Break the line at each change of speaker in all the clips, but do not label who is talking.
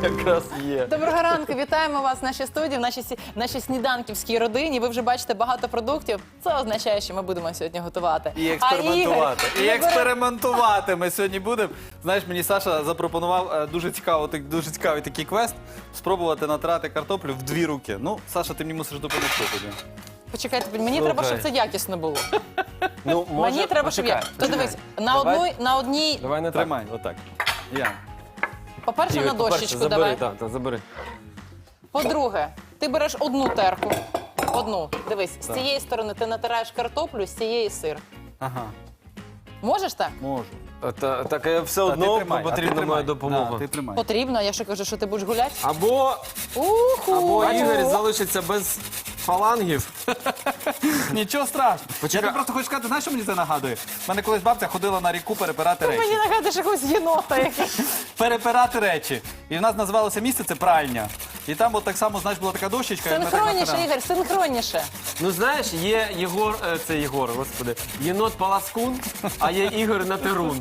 якраз є.
Доброго ранку, вітаємо вас в нашій студії, в нашій сніданківській родині. Ви вже бачите багато продуктів. Це означає, що ми будемо сьогодні готувати.
І експериментувати.
А
І
Ігор,
експериментувати ми сьогодні будемо. Знаєш, мені Саша запропонував дуже цікавий такий квест – спробувати натирати картоплю в 2 руки. Ну, Саша, ти мені мусиш допомогти тоді.
Почекайте, мені треба, щоб це якісно було.
Ну,
Мені треба, щоб я... То дивись, на одній...
Давай не так.
Тримай, отак. Я.
По-перше, на дощечку давай.
Забери, так, забери.
По-друге, ти береш одну терку. Одну. Дивись, з цієї сторони ти натираєш картоплю, з цієї сир.
Ага,
Можеш так?
можу.
Так все
А ти
одно
тримай, а ти
потрібна
тримай.
моя допомога.
Да, ти тримай.
Потрібно, я що кажу, що ти будеш гуляти?
Або
Уху!
Ігор залишиться без фалангів.
Нічого страшного.
Почекай.
Я тобі просто хочу сказати, знаєш, що мені це нагадує? У мене колись бабця ходила на ріку перепирати
Мені
речі.
нагадуєш якогось єнота якийсь.
Перепирати речі. І в нас називалося місце це пральня. І там от так само, знаєш, була така дощечка. і ми так
Синхронніше,
натирали.
Ігор, синхронніше.
Ну знаєш, є Єгор, це Єгор, господи, єнот Паласкун, а є Ігор Натерун.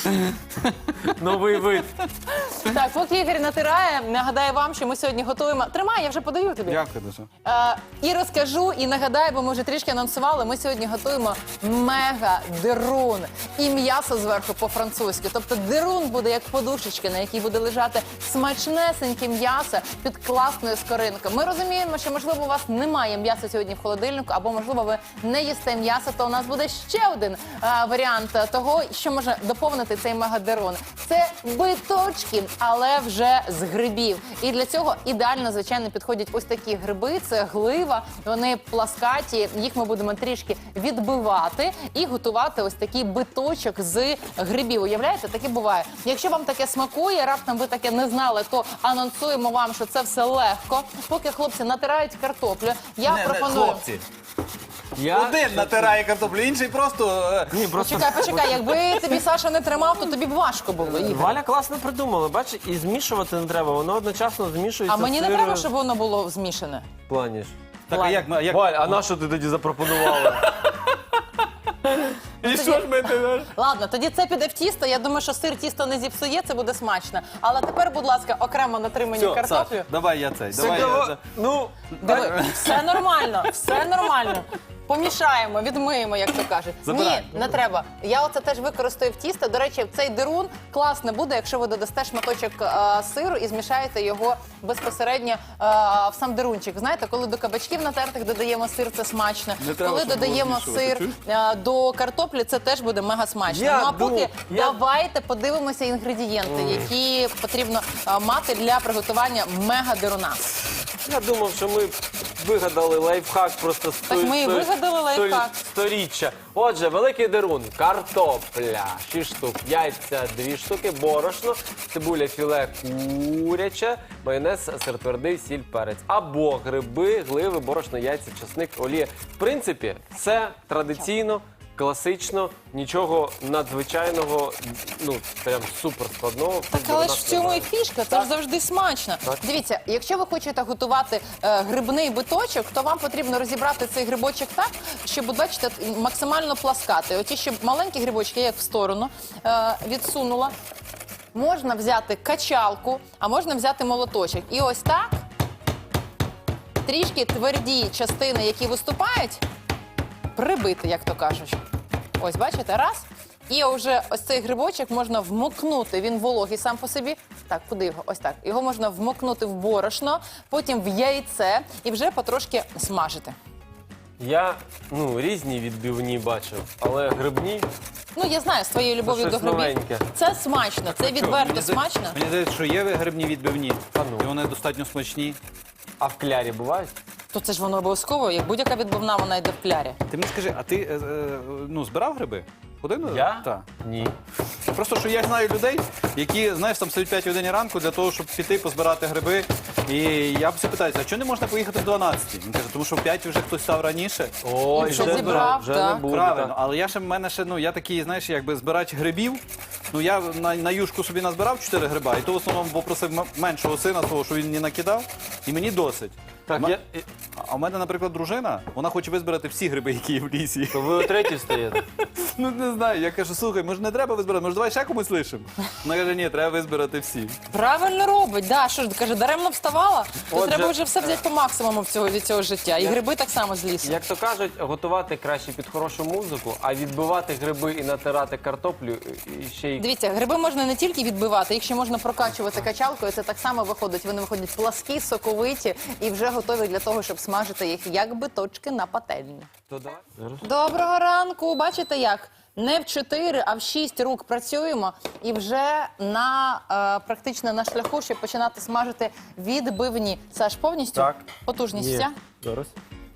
Новий вид.
Так, поки Ігор натирає, нагадаю вам, що ми сьогодні готуємо... Тримай, я вже подаю тобі.
Дякую дуже.
І розкажу, і нагадаю, бо ми вже трішки анонсували, ми сьогодні готуємо мега-дерун. І м'ясо зверху по-французьки. Тобто дерун буде як подушечка, на якій буде лежати смачнесеньке м'ясо під класною скоринкою. Ми розуміємо, що, можливо, у вас немає м'яса сьогодні в холодильнику, або, можливо, ви не їсте м'ясо, то у нас буде ще один варіант того, що може доповнити цей мега-дерун. Це биточки, але вже з грибів. І для цього ідеально, звичайно, підходять ось такі гриби. Це глива, вони пласкаті, їх ми будемо трішки відбивати і готувати ось такий биточок з грибів. Уявляєте, таке буває. Якщо вам таке смакує, раптом ви таке не знали, то анонсуємо вам, що це все легко. Поки хлопці натирають картоплю, я пропоную...
Хлопці. Один натирає картоплю, інший просто...
Ні, просто
Почекай, якби тобі Саша не тримав, то тобі б важко було, Ігор.
Валя класно придумала, бачиш, і змішувати не треба, воно одночасно змішується.
А мені не
сир
треба, щоб воно було змішане.
в плані ж.
Так, а як...
Валь, а на що ти тоді запропонувала?
І що ж ми ти?
Ладно, тоді це піде в тісто. Я думаю, що сир тісто не зіпсує, це буде смачно. Але тепер, будь ласка, окремо натримані картоплю.
Давай я цей. Давай я...
Ну,
Диви, все нормально, все нормально. Помішаємо, відмиємо, як то кажуть.
Забирай.
Ні, не треба. Я оце теж використаю в тісто. До речі, цей дерун класно буде, якщо ви додасте шматочок сиру і змішаєте його безпосередньо в сам дерунчик. Знаєте, коли до кабачків натертих додаємо сир, це смачно.
Не треба,
Коли
щоб було
додаємо
змішувати,
сир до картоплі, це теж буде мега смачно.
Я
Ну а поки
я-
давайте подивимося інгредієнти, які потрібно мати для приготування мега-деруна.
я думав, що ми вигадали лайфхак просто
Так ми і вигадали лайфхак.
сторіччя. Отже, великий дерун, картопля, 6 штук, яйця 2 штуки, борошно, цибуля, філе куряче, майонез, сир твердий, сіль, перець. Або гриби, гливи, борошно, яйця, чесник, олія. В принципі, все традиційно, класично, нічого надзвичайного, ну, прям супер складного.
Так, але ж в цьому і фішка, це ж завжди смачно. Дивіться, якщо ви хочете готувати грибний биточок, то вам потрібно розібрати цей грибочок так, щоб, бачите, максимально пласкати. Оті, щоб маленькі грибочки, я їх в сторону відсунула. Можна взяти качалку, а можна взяти молоточок. І ось так, трішки тверді частини, які виступають, прибити, як то кажуть. Ось, бачите, раз. І вже ось цей грибочок можна вмокнути, він вологий сам по собі. Так, куди його? Ось так. Його можна вмокнути в борошно, потім в яйце і вже потрошки смажити.
Я, різні відбивні бачив, але грибні...
Ну, я знаю, з твоєю любов'ю
Це
до
щось
грибів.
новеньке.
Це смачно, це відверто смачно.
Мені здається, що є грибні відбивні.
А ну.
І вони достатньо смачні.
А в клярі бувають?
То це ж воно обов'язково, як будь-яка відбивна, вона йде в клярі.
Ти мені скажи, а ти збирав гриби? Ходив?
Я?
Так.
Ні.
Просто, що я знаю людей, які, знаєш, там стоять 5 годині ранку для того, щоб піти позбирати гриби. І я все питаюся, а чого не можна поїхати в 12? Він каже, тому що в 5 вже хтось став раніше.
Ой,
Якщо
вже
зібрав,
вже
так.
не буде.
Правильно,
так.
але в мене ще, я такий, знаєш, якби збирач грибів. Ну, я на юшку собі назбирав 4 гриба, і то в основному попросив меншого сина свого, що він мені накидав, і мені досить.
Так,
А в мене, наприклад, дружина, вона хоче визбирати всі гриби, які є в лісі.
То ви о 3-й встаєте?
Ну не знаю, я кажу, слухай, може не треба визбирати, може давай ще комусь лишимо? Вона каже, ні, треба визбирати всі.
Правильно робить, да. Що ж, каже, даремно вставала? То
Отже-
треба вже все взяти по максимуму від цього життя. І гриби так само з лісу.
Як то кажуть, готувати краще під хорошу музику, а відбивати гриби і натирати картоплю і ще й
Дивіться, гриби можна не тільки відбивати, їх ще можна прокачувати качалкою. Це так само виходить. Вони виходять пласкі, соковиті і вже готові для того, щоб смажити їх як биточки на пательні.
то давай. Зараз.
Доброго ранку. Бачите, як не в 4, а в 6 рук працюємо і вже практично на шляху, щоб починати смажити відбивні. Саш, повністю
Так.
потужність
Є.
вся?
Зараз.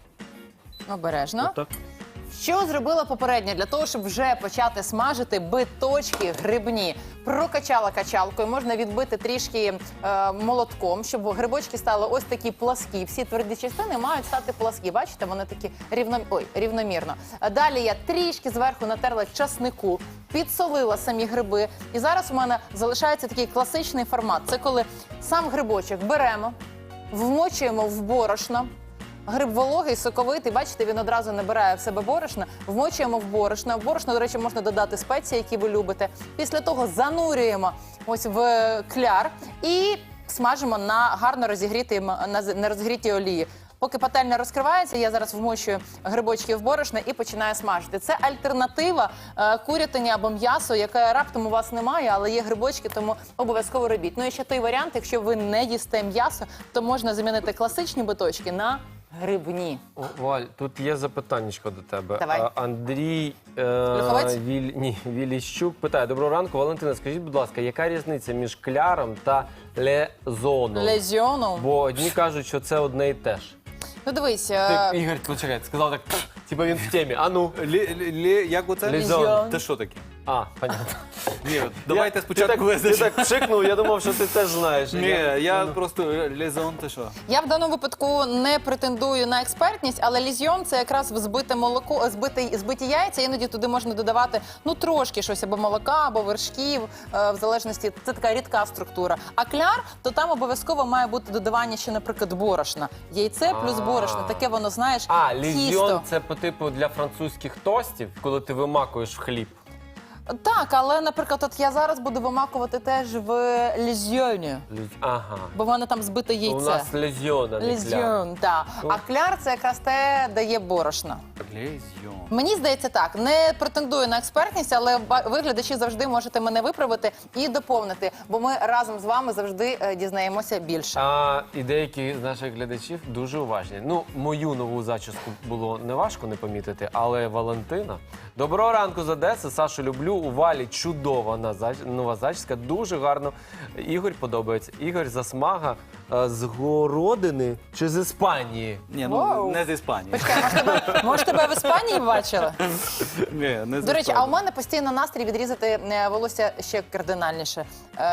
Обережно.
Так.
Що зробила попередньо для того, щоб вже почати смажити биточки грибні? Прокачала качалкою, можна відбити трішки молотком, щоб грибочки стали ось такі пласкі. Всі тверді частини мають стати пласкі. Бачите, вони такі рівномірно. Далі я трішки зверху натерла часнику, підсолила самі гриби. І зараз у мене залишається такий класичний формат. Це коли сам грибочок беремо, вмочуємо в борошно. Гриб вологий, соковитий, бачите, він одразу набирає в себе борошна. Вмочуємо в борошно. В борошно, до речі, можна додати спеції, які ви любите. Після того занурюємо ось в кляр і смажимо на гарно на розігрітій олії. Поки пательня розкривається, я зараз вмочую грибочки в борошно і починаю смажити. Це альтернатива курятині або м'ясу, яке раптом у вас немає, але є грибочки, тому обов'язково робіть. Ну і ще той варіант, якщо ви не їсте м'ясо, то можна замінити класичні биточки на грибні.
О, Валь, тут є запитаннячко до тебе.
Давай.
Андрій
Люховець?
Віліщук питає: доброго ранку, Валентина, скажіть, будь ласка, яка різниця між кляром та лезоном?
Лезьйоном.
Бо одні кажуть, що це одне і те ж.
Ну дивись,
Ігор, почекай, сказав так, типа він в темі. А ну.
Як оце?
Лізон.
Це що таке?
А, понятно.
Ні, от давайте
Ти
спочатку
так
визначимо.
пшикнув, я думав, що ти теж знаєш.
Ні, я просто лізон, ти що?
я в даному випадку не претендую на експертність, але лізьйон – це якраз взбите молоко, збиті яйця. Іноді туди можна додавати трошки щось або молока, або вершків, в залежності. Це така рідка структура. А кляр, то там обов'язково має бути додавання ще, наприклад, борошна. Яйце плюс борошно. Таке воно, знаєш,
А, лізьйон
тісто.
це по типу для французьких тостів, коли ти вимакуєш в хліб.
Так, але, наприклад, от я зараз буду вимакувати теж в лізьйоні,
Ага.
бо в мене там збите яйце.
У нас лізьйон, а не кляр.
Лізьйон, так. А кляр – це якраз те, дає борошно.
Лізьон.
Мені здається так, не претендую на експертність, але ви, глядачі, завжди можете мене виправити і доповнити, бо ми разом з вами завжди дізнаємося більше.
І деякі з наших глядачів дуже уважні. Ну, мою нову зачіску було неважко не помітити, але Валентина. Доброго ранку з Одеси. Сашу люблю. У Валі чудова нова зачіска. Дуже гарно. Ігор подобається. Ігор Засмага з Городини чи з Іспанії?
Ні,
Вау.
не з Іспанії.
Почекай, може тебе в Іспанії бачили?
Ні, не з
До речі, а у
Іспанії.
мене постійно настрій відрізати волосся ще кардинальніше.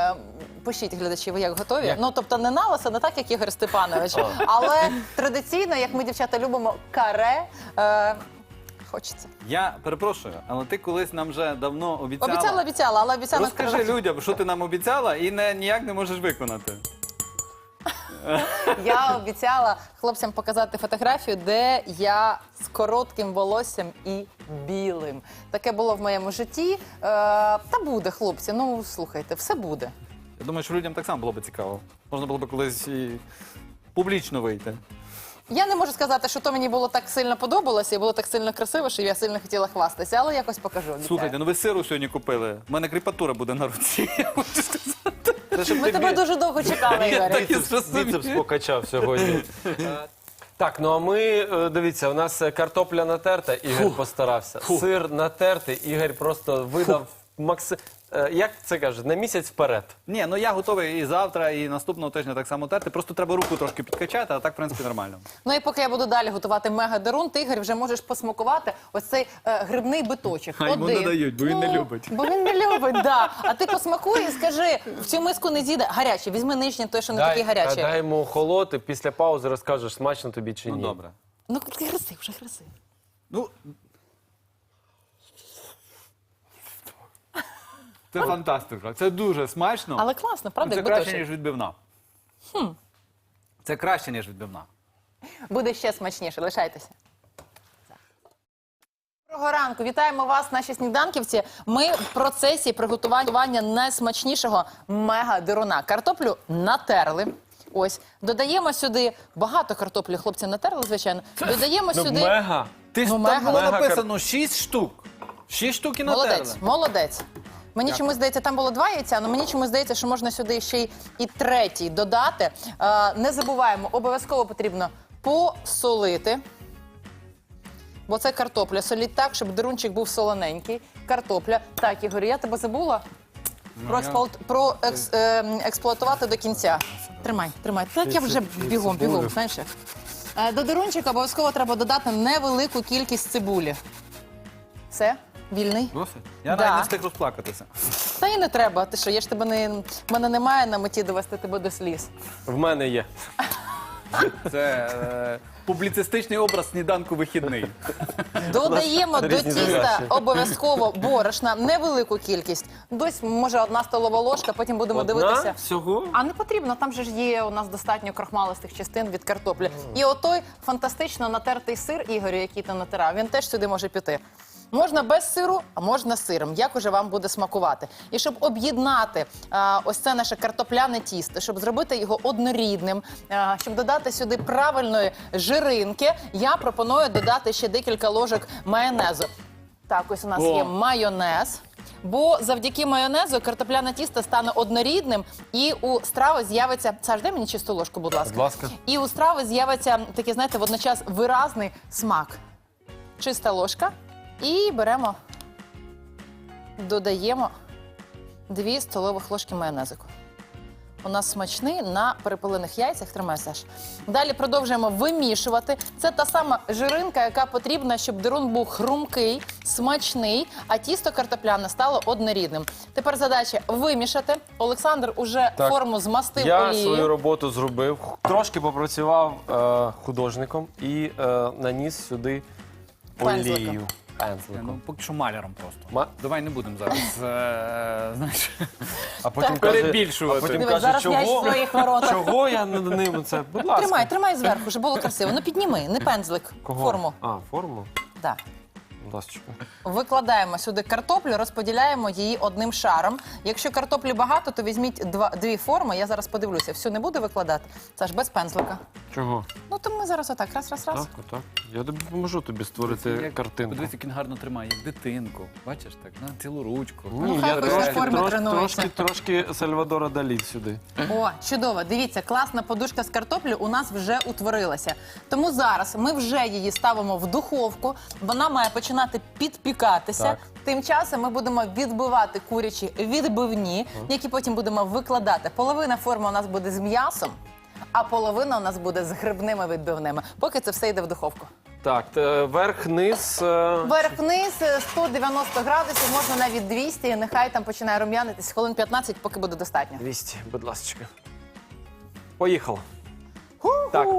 Пишіть, глядачі, ви як готові?
Як?
Ну, тобто не на лисо, не так, як Ігор Степанович, але традиційно, як ми, дівчата, любимо каре, хочеться.
Я перепрошую, але ти колись нам вже давно обіцяла.
Обіцяла, але обіцяла
Розкажи
сказати.
людям, що ти нам обіцяла і ніяк не можеш виконати.
Я обіцяла хлопцям показати фотографію, де я з коротким волоссям і білим. Таке було в моєму житті. Та буде, хлопці, ну слухайте, все буде.
Я думаю, що людям так само було б цікаво. Можна було б колись і публічно вийти.
Я не можу сказати, що то мені було так сильно подобалося і було так сильно красиво, що я сильно хотіла хвастатися, але якось покажу. обіцяю.
Слухайте, ну ви сиру сьогодні купили. У мене кріпатура буде на руці. Я хочу сказати.
Це щоб
Ми тебе дуже довго чекали, Ігоре.
так і зрозумів.
Біцепс покачав сьогодні. Так, ну а ми, дивіться, у нас картопля натерта, Ігор постарався. Сир натертий, Ігор просто видав як це кажуть, на місяць вперед.
Ні, ну я готовий і завтра, і наступного тижня так само терти. Просто треба руку трошки підкачати, а так, в принципі, нормально.
Ну і поки я буду далі готувати мега-дерун, ти, Ігор, вже можеш посмакувати ось цей грибний биточок.
А йому не дають, бо він не любить.
Бо він не любить, да. А ти посмакуй і скажи, в цю миску не з'їде. Гарячий, візьми нижній, той, що не такий гарячий.
Дай йому охолоти, після паузи розкажеш, смачно тобі чи ні.
Ну, добре.
Ну, гризи, вже гризи.
Ну, це фантастика. Це дуже смачно.
Але класно, правда,
Це
як
краще,
биточок.
ніж відбивна. Це краще, ніж відбивна.
Буде ще смачніше, лишайтеся. Доброго ранку, вітаємо вас, наші сніданківці. Ми в процесі приготування найсмачнішого мега-дируна. Картоплю натерли. Ось, додаємо сюди багато картоплі, хлопці натерли, звичайно. Додаємо сюди...
Мега.
Ти ж
Ну,
там
мега.
було
Мега
написано 6 штук. 6 штук і натерли.
Молодець, молодець. Мені чомусь здається, там було 2 яйця, але мені чомусь здається, що можна сюди ще і третій додати. Не забуваємо, обов'язково потрібно посолити. Бо це картопля. Соліть так, щоб дирунчик був солоненький. Картопля. Так, Ігор, я тебе забула експлуатувати до кінця. Тримай, тримай. Так я вже бігом, знаєш. До дирунчика обов'язково треба додати невелику кількість цибулі. Все? Вільний?
Досить? Я
Да.
навіть не встиг розплакатися.
Та і не треба. Ти що, я ж тебе мене немає на меті довести тебе до сліз.
В мене є.
Це публіцистичний образ сніданку вихідний.
Додаємо до
різні
тіста
задачі.
обов'язково борошна, невелику кількість. Десь, може, 1 столова ложка, потім будемо дивитися.
Одна? Всього?
А не потрібно, там же ж є у нас достатньо крохмалистих частин від картоплі. І отой фантастично натертий сир, Ігорю, який ти натирав, він теж сюди може піти. Можна без сиру, а можна з сиром, як уже вам буде смакувати. І щоб об'єднати ось це наше картопляне тісто, щоб зробити його однорідним, щоб додати сюди правильної жиринки, я пропоную додати ще декілька ложок майонезу. Так, ось у нас є майонез. Бо завдяки майонезу картопляне тісто стане однорідним, і у страви з'явиться... Саш, дай мені чисту ложку, будь ласка.
Будь ласка.
І у страви з'явиться такий, знаєте, водночас виразний смак. Чиста ложка. І беремо, додаємо 2 столових ложки майонезику. У нас смачний на перепилених яйцях. Тримай, Саш. Далі продовжуємо вимішувати. Це та сама жиринка, яка потрібна, щоб дирун був хрумкий, смачний, а тісто картопляне стало однорідним. Тепер задача вимішати. Олександр уже
Так.
форму змастив
Я
олією.
свою роботу зробив. Трошки попрацював художником і наніс сюди
Пензликом.
олію.
Ну,
Пензликом.
поки що маляром просто.
Ма-
Давай не будемо зараз, знаєш,
А потім
перебільшувати.
А потім
Дивись,
каже,
зараз м'яч в своїх воротах.
чого я над ним це? Будь ласка.
Тримай зверху, щоб було красиво. Ну підніми, не пензлик,
Кого?
форму.
А, форму?
Так.
Будь ласка.
Викладаємо сюди картоплю, розподіляємо її одним шаром. Якщо картоплі багато, то візьміть 2 форми. Я зараз подивлюся. Всю не буду викладати. Це ж без пензлика.
Чого?
Ну, то ми зараз отак. Раз.
Так, отак. Я допоможу тобі створити картинку.
Подивись, як він гарно тримає, як дитинку. Бачиш, так, на цілу ручку.
Ні,
хай
я
хоч на формі тренується.
трошки Сальвадора Далі сюди.
О, чудово. Дивіться, класна подушка з картоплі у нас вже утворилася. Тому зараз ми вже її ставимо в духовку. Вона має починати підпікатися.
Так.
Тим часом ми будемо відбивати курячі відбивні, які потім будемо викладати. Половина форми у нас буде з м'ясом, а половина у нас буде з грибними відбивними. Поки це все йде в духовку.
Так, верх-низ.
Верх-вниз 190 градусів, можна навіть 200, нехай там починає рум'янитись хвилин 15, поки буде достатньо.
200, будь ласка. Поїхало. Так.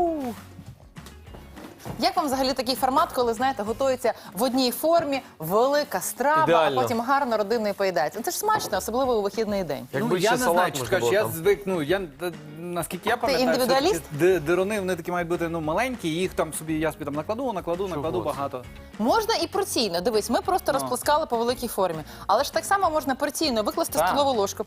Як вам взагалі такий формат, коли, знаєте, готується в одній формі, велика страва,
Ідеально.
а потім гарно родиною поїдається? Це ж смачно, особливо у вихідний день.
Якби
я
ще
не
салат
знаю, чи
можна
скажеш,
було
я
там.
звик, наскільки я пам'ятаю,
індивідуаліст?
все-таки дирони, вони такі мають бути маленькі, їх там я собі там накладу
це?
багато.
Можна і порційно. Дивись, ми просто розплескали по великій формі. Але ж так само можна порційно викласти
Так.
столову ложку,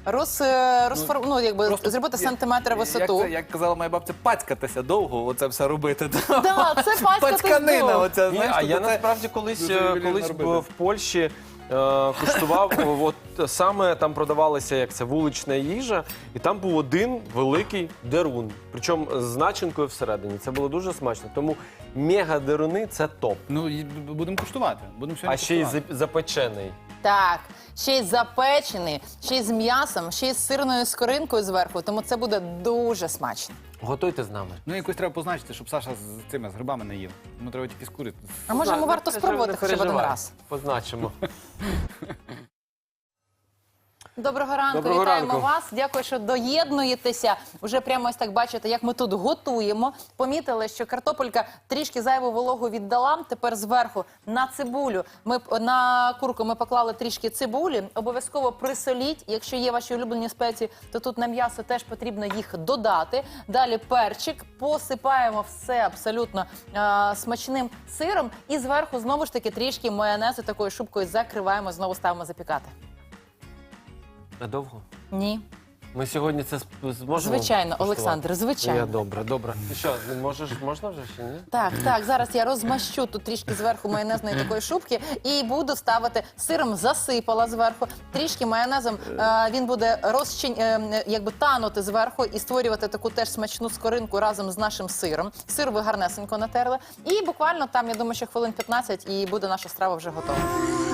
зробити сантиметр висоту.
Як казала моя бабця, пацькатися довго, оце все робити.
Да, це пацькатись
Пацьканина,
довго.
оця,
Ні,
знаєш,
а
то
я
це
насправді колись
дуже ювелірно
в
робити.
Польщі куштував, от саме там продавалася як це вулична їжа, і там був один великий дерун, причому з начинкою всередині. Це було дуже смачно. Тому мега-деруни – це топ.
Ну, і будемо куштувати. Будемо
А
сьогодні
ще й
куштувати.
запечений.
Так, ще й запечений, ще й з м'ясом, ще й з сирною скоринкою зверху, тому це буде дуже смачно.
Готуйте з нами.
Ну, якось треба позначити, щоб Саша з грибами не їв. Йому треба тільки з кури.
А може, йому варто спробувати
Не
хоча б один
переживай.
раз?
Позначимо.
Доброго ранку,
Доброго
вітаємо
ранку.
вас. Дякую, що доєднуєтеся. Уже прямо ось так бачите, як ми тут готуємо. Помітили, що картопелька трішки зайву вологу віддала. Тепер зверху на цибулю, на курку ми поклали трішки цибулі. Обов'язково присоліть. Якщо є ваші улюблені спеції, то тут на м'ясо теж потрібно їх додати. Далі перчик, посипаємо все абсолютно смачним сиром. І зверху знову ж таки трішки майонезу такою шубкою закриваємо, знову ставимо запікати.
А довго?
Ні.
Ми сьогодні це зможемо?
Звичайно,
куштувати?
Олександр, звичайно.
Я добре. Ти що, можна вже чи ні?
Так, зараз я розмащу тут трішки зверху майонезної такої шубки і буду ставити сиром, засипала зверху. Трішки майонезом він буде якби танути зверху і створювати таку теж смачну скоринку разом з нашим сиром. Сир ви гарнесенько натерли. І буквально там, я думаю, що хвилин 15 і буде наша страва вже готова.